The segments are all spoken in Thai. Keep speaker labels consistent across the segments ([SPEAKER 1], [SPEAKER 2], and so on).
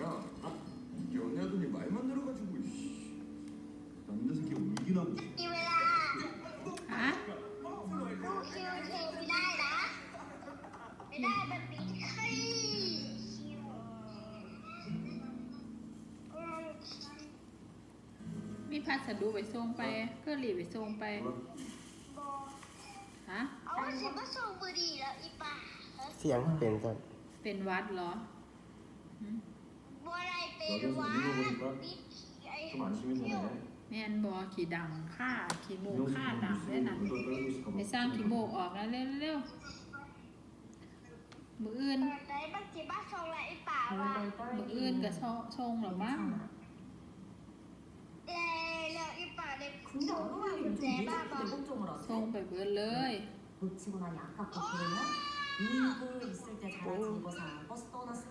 [SPEAKER 1] 야, 연애하더니 말만 늘어가지고. 남자 새끼 울긴 하고.
[SPEAKER 2] มีเวลา
[SPEAKER 3] ฮะ
[SPEAKER 2] ดูคิวเทไม่ได้นะไม่ได้มันปิดคิว
[SPEAKER 3] มีพัสดุไปส่งไปก็รีบไปส่งไป
[SPEAKER 2] บอ
[SPEAKER 3] ฮะ
[SPEAKER 2] เอาว่าฉันมาส่งบุหรี่แล้วอีป่า
[SPEAKER 4] เสียงเป็นจัง
[SPEAKER 3] เป็นวัดเหรอหืม
[SPEAKER 2] บัวอะไรเป็นวะปิดไอ้
[SPEAKER 1] 좀 안심해주네.
[SPEAKER 3] แม่นบอขี่ดังฆ่าขี่โมกฆ่าดังได้นั่นไปสร้างขี่โมกออกแล้วเร็วๆมืออื่น
[SPEAKER 2] ไหนบางทีบ้าส่งอะไรอีป่าวะ
[SPEAKER 3] มืออื่นกับชงหรอมั้ง
[SPEAKER 2] แล้วอีป่าเด็ก
[SPEAKER 5] 근데
[SPEAKER 2] ส่ง
[SPEAKER 5] 어느
[SPEAKER 2] ว่า
[SPEAKER 5] 날
[SPEAKER 2] กุญแจ
[SPEAKER 5] 좀
[SPEAKER 2] บ้าบอ
[SPEAKER 5] 늦게 대공점을
[SPEAKER 3] ชง
[SPEAKER 5] 하세요?
[SPEAKER 3] ไปเบิดเลย
[SPEAKER 5] 놓치고 나니 아깝고 그러냐? 이거 있을 때 잘하지 이거사 버스 떠났어.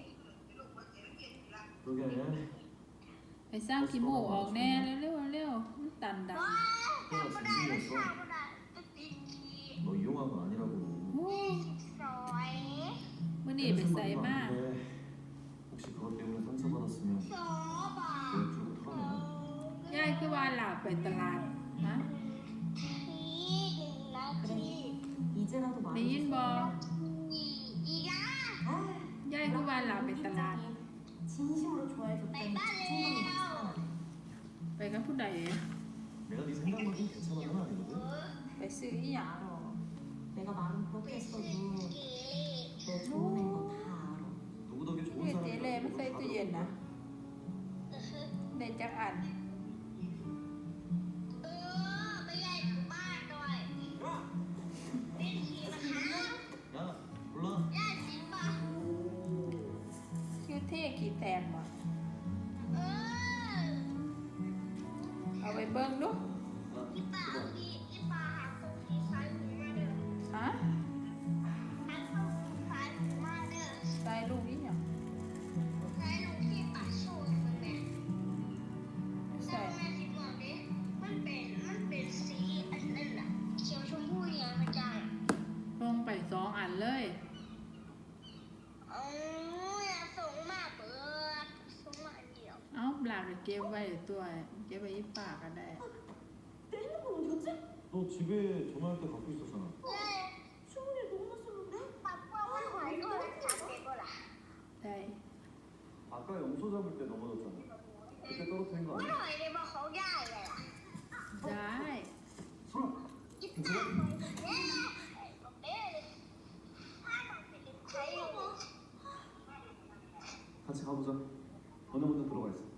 [SPEAKER 1] 그러게.
[SPEAKER 3] ไปสร้างขี่โมกออกแน่เร็วมันตันดัง
[SPEAKER 2] ว้าวทำไม่ได้เลยค่ะไม่ได้ติดขี้
[SPEAKER 1] 너 이용한 거 아니라고.
[SPEAKER 3] โอ้
[SPEAKER 2] สวย
[SPEAKER 3] มื่อนี้ไปใส่มาก
[SPEAKER 1] 혹시 그것 때문에 상처받았으면
[SPEAKER 2] โซบะ
[SPEAKER 1] 내 쪽으로 털어내.
[SPEAKER 3] ยายคือว่าหลับไปตลาดฮะ
[SPEAKER 2] ทีหนึ่งนาที
[SPEAKER 5] 이제라도
[SPEAKER 3] ได้ยินบอ
[SPEAKER 2] อีกอ่ะ
[SPEAKER 3] ยายคือว่าหลับไปตลาด
[SPEAKER 5] 진심으로 좋아해줬더니
[SPEAKER 2] 빨리
[SPEAKER 5] 자존감이
[SPEAKER 2] 빨리.
[SPEAKER 5] 낙상하네.
[SPEAKER 3] ไปกับผู้ใด
[SPEAKER 1] 내가 네 생각만큼 괜찮은 건 아니거든.
[SPEAKER 3] ไปซื้ออีหยัง
[SPEAKER 5] 알아. 내가 말은 그렇게 했어도
[SPEAKER 2] กี่
[SPEAKER 5] 너 좋은 애인 건 다 알아.
[SPEAKER 1] 누구 덕에 좋은
[SPEAKER 3] เฮ็ด
[SPEAKER 1] 사람이
[SPEAKER 3] เจเล่ไม่ใส่ตู้เย็นนะได้จักอัน
[SPEAKER 2] ไม่ใหญ่ถึงบ้านด้วยเป็นทีนะคะ
[SPEAKER 1] 야, 몰라.
[SPEAKER 2] ย่าจริงป่ะ
[SPEAKER 3] คิวเท่ขี่แตกบ่
[SPEAKER 2] เออ
[SPEAKER 3] เอาไปเบิ่งดู
[SPEAKER 1] 야,
[SPEAKER 2] อีป่าเอา
[SPEAKER 1] 이거
[SPEAKER 2] ดีอีป่าหาตรงที่ซ้ายมือมาเด้อ
[SPEAKER 3] ฮะ
[SPEAKER 2] หาตรงที่ซ้ายมือมาเด้อ
[SPEAKER 3] ใส่ลูกอีหยัง
[SPEAKER 2] ซ้ายลงที่ป่าโซ่มึงแม่
[SPEAKER 3] ใส่
[SPEAKER 2] แม่ที่บอกดิมันเป็นสีอันนั้นน่ะเขียวชมพูอย่างพระเจ้า
[SPEAKER 3] ลงไป2 อันเลย
[SPEAKER 2] อ๋ออย่าส่งมาเปิดส่งมาอันเดียว
[SPEAKER 3] เอ้าหลานเก็บไว้ตัวเก็บไว้อีปากก็ได้
[SPEAKER 5] 때리는 건 어디였지?
[SPEAKER 1] 너 집에 전화할 때 갖고 있었잖아.
[SPEAKER 2] เย้
[SPEAKER 5] 수문이 너무 났었는데?
[SPEAKER 2] ปักว่ามันหอยด้วยจับเด็กก็ล่ะ
[SPEAKER 3] ได้
[SPEAKER 1] 아까 염소 잡을 때 넘어졌잖아. 그때 떨어뜨린 거
[SPEAKER 2] มัน
[SPEAKER 1] 아니야?
[SPEAKER 2] หอยในบ่เขาย่ายเลยล่ะ
[SPEAKER 3] ได้
[SPEAKER 2] ยิบตาหอยเย้บอกเด้ถ้ามันเป็นใคร
[SPEAKER 1] 같이 가보자. 너네 먼저 들어가 있어.